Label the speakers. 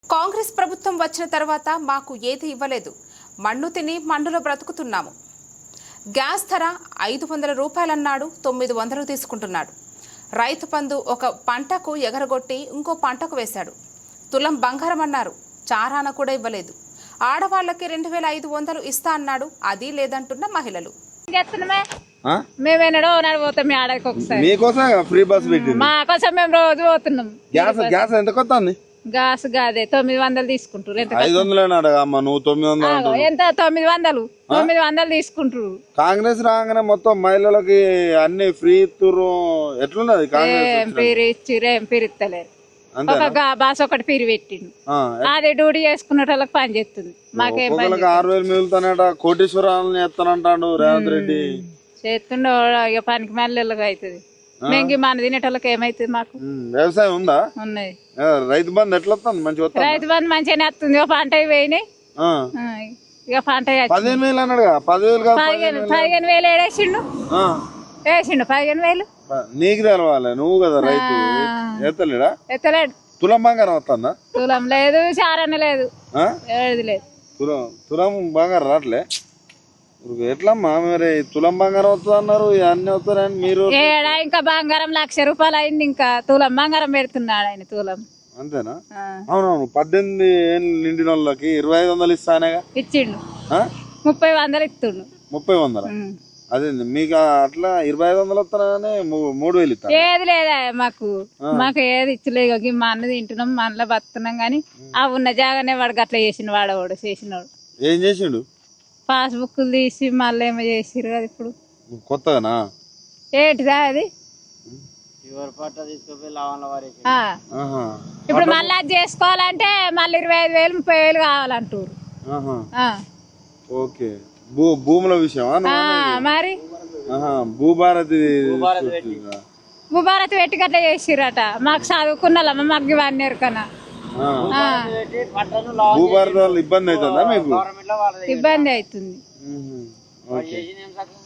Speaker 1: కాంగ్రెస్ ప్రభుత్వం వచ్చిన తర్వాత మాకు ఏది ఇవ్వలేదు. మన్ను తిని మన్నులో బ్రతుకుతున్నాము. గ్యాస్ ధర 500 రూపాయలన్నాడు, 900 తీసుకుంటున్నాడు. రైతు బంధు ఒక పంటకు ఎగరగొట్టి ఇంకో పంటకు వేశాడు. తులం బంగారం అన్నారు, చారాన కూడా ఇవ్వలేదు. ఆడవాళ్ళకి 2500 ఇస్తా అన్నాడు, అది లేదంటున్న మహిళలు.
Speaker 2: మేమేనాడో పోతాం ఆడకి ఒకసారి
Speaker 3: మీకోసం ఫ్రీ బస్ పెట్టి
Speaker 2: మా కోసం మేము రోజు పోతున్నాం.
Speaker 3: గ్యాస్ ఎంత కొత్త
Speaker 2: గ్యాస్ కాదే 900 తీసుకుంటారు.
Speaker 3: 500 నువ్వు 900
Speaker 2: ఎంత 900 తీసుకుంటారు.
Speaker 3: కాంగ్రెస్ రాగానే మొత్తం మహిళలకి అన్ని ఫ్రీ ఇస్తురు. ఎట్లున్నది కాంగ్రెస్?
Speaker 2: పీరు ఇచ్చిరు, ఏం పీరు ఇస్తలేరు. ఒక బాస్ ఒకటి పీరు పెట్టిండు, అది డ్యూటీ చేసుకున్న వాళ్ళకి పని చేస్తుంది. మాకేం
Speaker 3: 6000 మిగులుతానట, కోటీశ్వరాలని ఎత్తానంటాడు రేవంత్ రెడ్డి.
Speaker 2: చేస్తుండో ఇక పనికి మళ్ళీ అవుతుంది. మేము మన తినేటోళ్ళకి ఏమైతుంది? మాకు
Speaker 3: వ్యవసాయం ఉందా?
Speaker 2: ఉన్నది.
Speaker 3: రైతు బంధు ఎట్లా వస్తుంది? మంచిగా
Speaker 2: రైతు బంధు మంచిగానే వస్తుంది. ఒక పంట పోయినాయి, ఇక పంట
Speaker 3: 15,000 అన్నాడుగా.
Speaker 2: 15,000 ఏడేసిండు, వేసిండు 15,000.
Speaker 3: నీకు తెలవాలి, నువ్వు కదా రైతు. ఎత్తలేడా?
Speaker 2: ఎత్తలేడు.
Speaker 3: తులం బంగారం వస్తుందా?
Speaker 2: తులం లేదు, చారణ లేదు, ఏది లేదు.
Speaker 3: తులం బంగారం రావట్లే. ఎట్లమ్మా మరి? తులం బంగారం వస్తుంది అన్నారు, అన్ని వస్తారని మీరు.
Speaker 2: ఏడా ఇంకా బంగారం 1,00,000 రూపాయలు అయింది, ఇంకా తులం బంగారం పెడుతున్నాడు ఆయన. తులం
Speaker 3: అంతేనా? అవునవును. 18 ఏళ్ళు నిండిన వాళ్ళకి 2500 ఇస్తానేగా.
Speaker 2: ఇచ్చిండు. 30,000 ఇస్తుండు.
Speaker 3: 30,000? అదే మీకు అట్లా 2500 వస్తానే 3,000 ఇస్తా.
Speaker 2: ఏది లేదా మాకు ఏది ఇచ్చలేదు. మా అన్న తింటున్నాం, మా అన్నలో బతున్నాం. గానీ ఆ ఉన్న జాగానే వాడు అట్లా చేసిన వాడవాడు చేసినాడు.
Speaker 3: ఏం చేసిండు?
Speaker 2: పాస్బుక్లు తీసి మళ్ళీ ఏమో చేసిరు కదా ఇప్పుడు
Speaker 3: కొత్తగానా?
Speaker 2: ఏంటిదా అది? ఇప్పుడు మళ్ళీ అది చేసుకోవాలంటే మళ్ళీ 25,000 30,000 కావాలంటారు.
Speaker 3: ఓకే. భూముల విషయమా?
Speaker 2: మరి
Speaker 3: భూభారతి
Speaker 2: పెట్టి అట్లా చేసిరట. మాకు చదువుకున్నాళ్ళమ్మ, మాకు ఇవన్నీ ఎరకనా.
Speaker 3: భూభారతి వల్ల ఇబ్బంది అవుతుందా మీకు?
Speaker 2: ఇబ్బంది అవుతుంది.